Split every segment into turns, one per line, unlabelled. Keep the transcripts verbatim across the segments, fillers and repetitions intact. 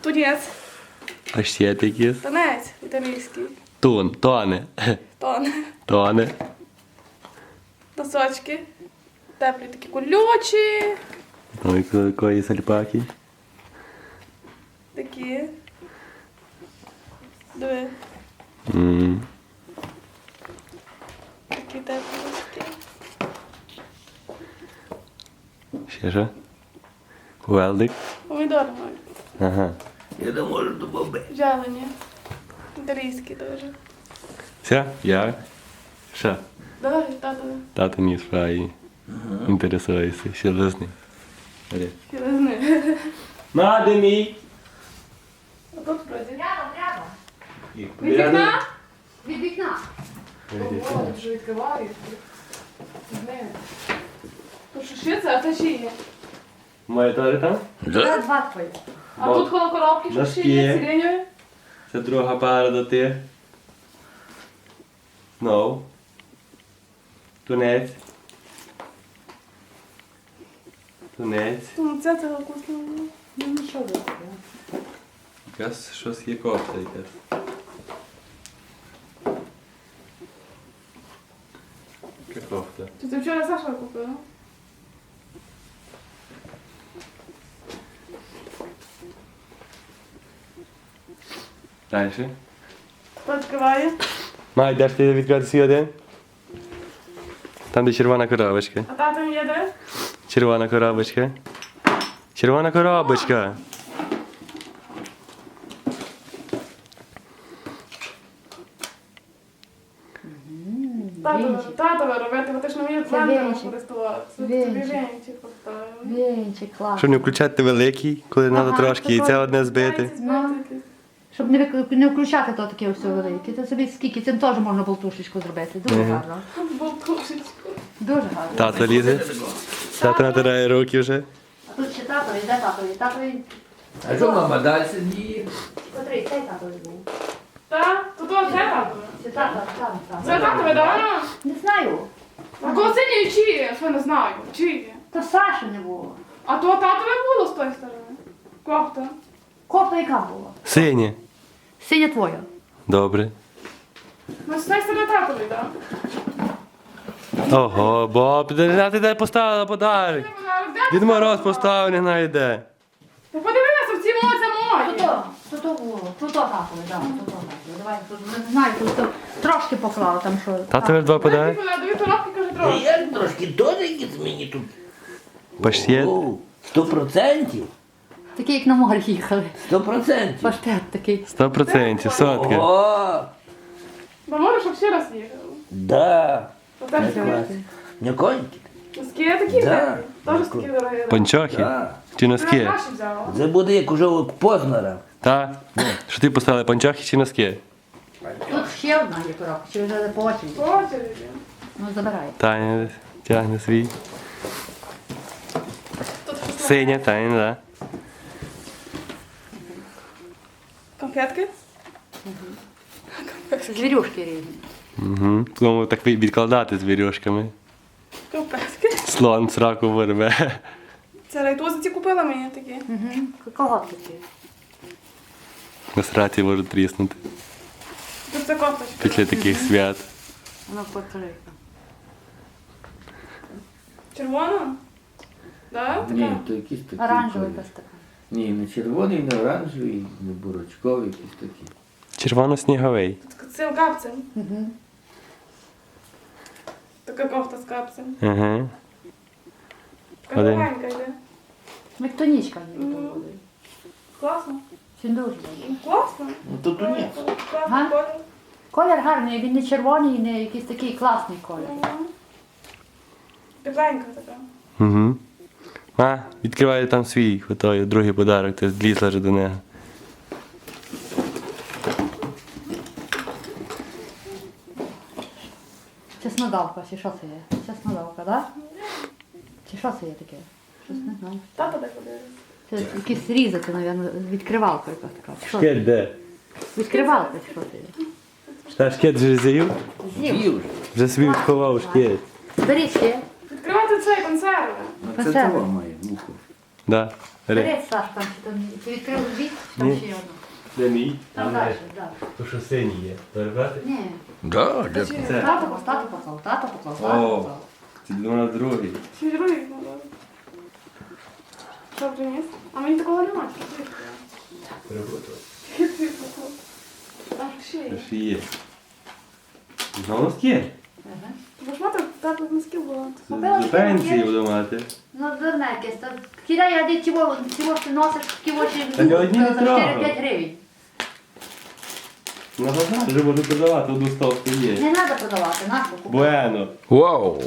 Тунець.
А ще такі.
Тунець італійський.
Тун, тоне.
Тон.
Тоне.
Носочки. Теплі такі колючі.
Ну і якої сальпаки.
Такі. Диви.
Ммм.
Такі теплі носки.
Ще що? Велдик.
Помідори мають.
Ага.
Я не можу до боби.
Жалені. Італійські дуже.
Все? Я? Що?
Давай, тато.
Тато ніс фраї. Інтересується. Ще лисний.
Філизни.
На, де мій?
А тут вроді.
Треба, треба.
Від вікна?
Від вікна.
Ого, тут вже відкривають. Блин. Тут що ще це, а це ще є.
Моє теж там?
Це
Да?
два твої.
А
Бо-
тут коло коробки що ще є,
Носки.
сиреньові.
Це друга пара до тих. Знов. Тунець. Тунець.
Ну, це цього вкусно було.
Ну, ну що ви?
Якась щось є кофта якась. Яка кофта?
Чи ти вчора Саша купила?
Дальше.
Хто відкриває?
Май, де ж ти відкрити свій один? Там, де червона коробочка.
А тато є де?
Червона коробочка. Червона коробочка.
Тато, тато робити, бо ти ж не вмієш блендером
вінчик.
користуватися. Тобі
Вінчик.
вінчик поставили.
Вінчик, клас.
Щоб не включати великий, коли треба
Ага,
трошки, і це
такой.
одне збити.
Яйця збити якісь.
Щоб не, вик- не включати то таке все велике. Це собі скільки, цим теж можна болтушечку зробити. Дуже гарно.
Болтушечку.
Дуже гарно.
Тато лізе. Тато натирає руки вже.
А тут ще татові, де татові? Татові.
А що мама далі сидіє?
Котрий, цей татові був.
Так? То то це татове.
Це тато, там, там.
Це татове, так?
Не знаю.
А кого синій чиє? Я що не знаю. Чиє?
То Саші не було.
А то татове було з тої сторони. Кофта.
Кофта яка була?
Синє.
Синя твоя.
Добре.
Ну, з тої сторони татовий, так?
Ого, Боб, де ти де поставила подарок? Дід Мороз поставив, не знаю де.
Та подивися, в ці моці
Тут
мої.
то, тут то було. Тут то татові, так, тут то татові. Давай, тут, не знаю, тут то трошки поклала там що.
Тато вже два подарок?
Даю коробки, каже,
Та
трохи.
я трошки теж якісь мені тут.
Паштет.
Оу, Сто процентів?
Такий, як на море їхали.
Сто процентів.
Паштет такий.
Сто процентів, сотка.
О,
Бо може, щоб ще раз їхали.
да.
То теж
Клас.
такі.
Не коньки?
Носки такі
Да.
взяли. Теж такі дорогі.
Панчохи?
Да.
Чи носки?
Наші взяла.
Це буде як уже у Познера.
Та? Що ти поставила, панчохи чи носки?
Тут ще одна є коробка, чи вже по очереді.
По очереді.
Ну, забирай.
Таня тягне свій.
Тут щось
Синя, Таня, да.
конфетки.
Звірюшки різні.
Угу. Тому так відкладати з вірьошками.
Конфетки.
Слон сраку вирве.
Це райтузиці купила мені такі.
Угу. Кого такі?
На сраці можуть тріснути.
Тут це кофточка.
Після таких свят.
Воно повторює.
Червона? Да?
Ні,
Така?
то якісь такі.
Оранжевий
колір.
якась така.
Ні, не червоний, не оранжевий, не бурачковий, якісь такі.
Червоно-сніговий.
Тут цим капцем.
Угу.
Така кофта з капцем.
Ага.
Така
Один.
легенька йде.
Як тонічка ніби
Мгм.
то буде.
Класно.
Він дуже добрий.
Ну, класно.
Ну то тунець.
Класний
Ага.
колір.
Колір гарний, він не червоний, не якийсь такий класний колір.
Мгм. Тепленька така.
Угу. А, відкриває там свій, той, другий подарок, ти злізла вже до нього.
Чеснодавка, чи що це є? Чеснодавка, так? Чи що це є таке? Щось не знаю.
Тато де подивився.
Це якісь різати, мабуть, відкривалка якась така. Чи що?
Шкет де?
Відкривалка, чи що це є?
Та шкет вже з'їв?
З'їв.
З'їв.
Вже собі відховав шкет.
Беріть ще.
Відкривати цей консерви.
Ну це
Консерви.
того має муху.
Да.
Бери, Саш, там чи там ти відкрив дві, там
Ні.
ще є одна.
Де мій?
Там далі, далі.
То що синій є. Перебрати?
Ні.
Да, де?
Чи-
Це.
Тато поклав, тато поклав, тато поклав,
О.
тато поклав.
Це для нас другий.
Чи другий надо? Що приніс? А мені такого немає.
Перебрати.
Там ще є.
Це ж є. Знову носки?
Ага.
Бо ж мати теплих носків було.
До пенсії буду мати.
Ну, дурне якесь. то Кидай, а де чого, чого ти носиш, чого ти
Та ні одні не
за
трогав.
чотири-п'ять гривень.
На базар вже можу продавати, одну стовку є.
Не треба продавати, нашу купити.
Буено.
Вау!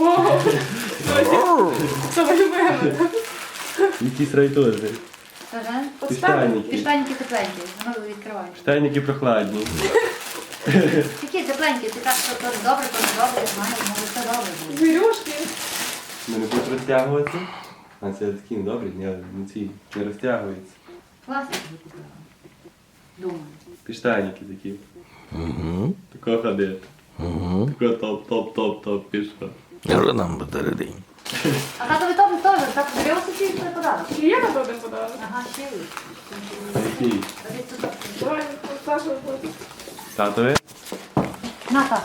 Вау! Що ви любили?
Якісь райтози.
Ага.
Штанники.
І штаники тепленькі, воно відкриваєш.
Штанники прохладні.
Які тепленькі, ти так, що то добре, то не добре, знаєш, може все добре буде.
Звірюшки.
Ми не будуть розтягуватися. А це такі добрі, ні, не ці, не розтягуються.
Класно тобі купила. Думаю.
Піштаники такі.
Угу.
Тако ходити.
Угу.
Тако топ-топ-топ-топ пішло.
Я вже нам батареї.
А татові тобі теж, так дивився чи це подарок?
Чи є на то один подарунок?
Ага, ще є.
Який?
А десь тут.
Давай, Саша, виходь.
Татові?
На, так.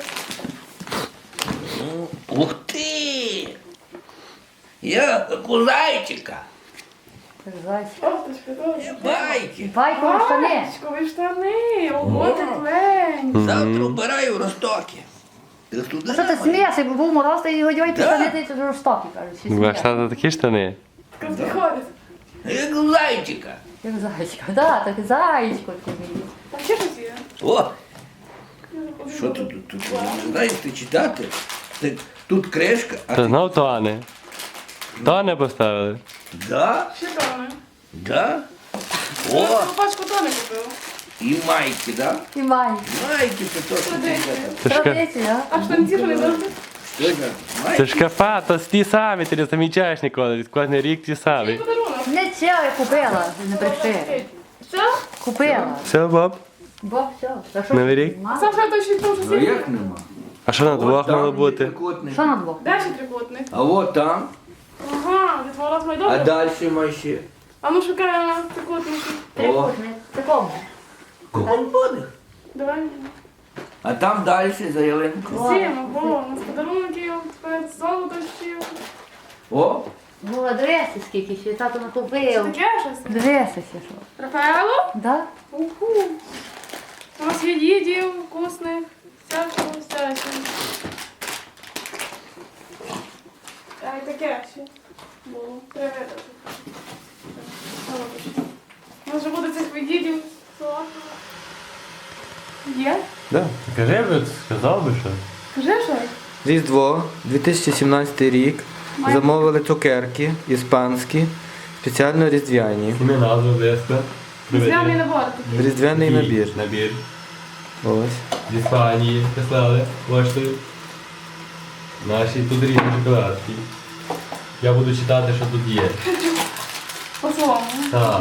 Ух ти! Я як у зайчика.
Зайчик.
Кофточка, добре.
Байки.
Байкові штани.
Бачкові штани, ого, теплень.
Завтра вбираю в Ростокі. Ти туди
А що ти смієшся, бо був мороз, ти його дьой штани, ти це жорстокі, кажуть. всі
Ваш
сміються.
тато такі штани?
Як приходить.
Як у зайчика.
Як зайчик. Да, так зайчик такий.
Там ще щось є?
О, що тут? Тут, тут не знаєте читати? Ти- Тут кришка, а
Це
ти...
знов Тоне. Тоне поставили.
Да?
Ще тони.
Да?
О!
О,
Пачку тони купив.
і майки, да?
І май.
Майки це то, що ти
Традиція.
Це ж, ка-
Традиція,
А штанці вони завжди?
Що це?
це
Майки?
ж кафа, то ті самі, ти не замічаєш ніколи. Кожен рік ті
Який
самі.
подарунок?
Не це я купила, не бреши.
Все?
Купила.
Все, Боб?
Бо все. Та що
Новий
ти,
рік?
мама?
Саша, то ще там щось
Ну
є?
як нема?
А що на двох
От там
мало бути?
трикутник.
Що на двох?
Де ще трикутник?
А от там,
Ага, від ворот
а
майдону.
далі має ще.
А ну шукаємо трикутники.
Трикутник. Такому.
Колбоних.
Давай.
А там далі за ялинкою.
Всім, бо у нас подарунків, тепер золото ще.
О,
Була дреси скільки ще, тато
Що
накупив.
таке щось?
Дреси ще що.
Рафаело?
Да?
Уху. У нас є їдів вкусних, всякого, всякого. А і таке ще було. Три види. У нас вже буде цих відділів. Є?
Да. Кажи би, сказав би що.
Кажи щось.
Різдво, дві тисячі сімнадцятий рік. Замовили цукерки іспанські, спеціально різдвяні.
Ім'я назву близько.
Зв'яний набор такий.
Різдвяний набір.
Набір.
Ось.
З Іспанії прислали поштою. Наші тут різні шоколадки. Я буду читати, що тут є.
По-своєму.
Так.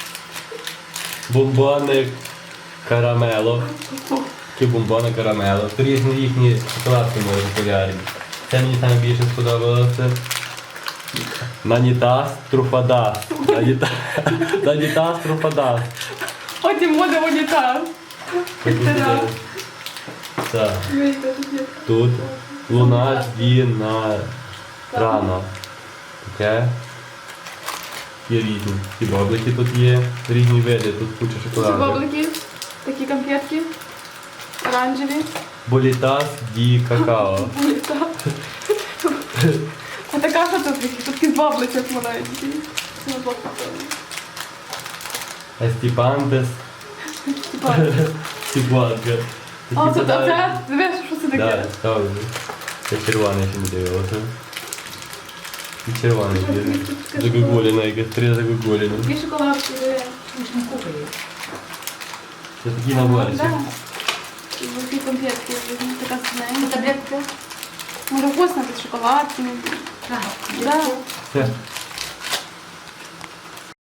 Бомбони карамело. Такі бомбони карамело. Тут різні їхні шоколадки мої популярні. Це мені найбільше сподобалося. Нанітас труфадас. Наніта- Нанітас труфадас.
Потім буде унітаз. Тира.
Так.
Дивіться, тут є.
Тут луна діна рано. Таке. Є різні. І баблики тут є, різні види, тут куча
Ці
шоколаду.
баблики, такі конфетки. Оранжеві.
Болітас ді какао.
Унітаз. А така що тут? Тут такі з бабличок маленькі. Це на блок поставили.
Естіпантес
Типа.
Сіпанка.
А, це, а це, дивись, що це таке?
Так, ставлю. Це червоний ще не дивилося. І червоний є. Загогуліна, якась три загогуліна.
Такі шоколадки, диви.
Це такі наборчики.
Да. І такі конфетки, така
Це
синенька.
таблетки?
Може вкусно, тут шоколадки.
Так.
Да.
Це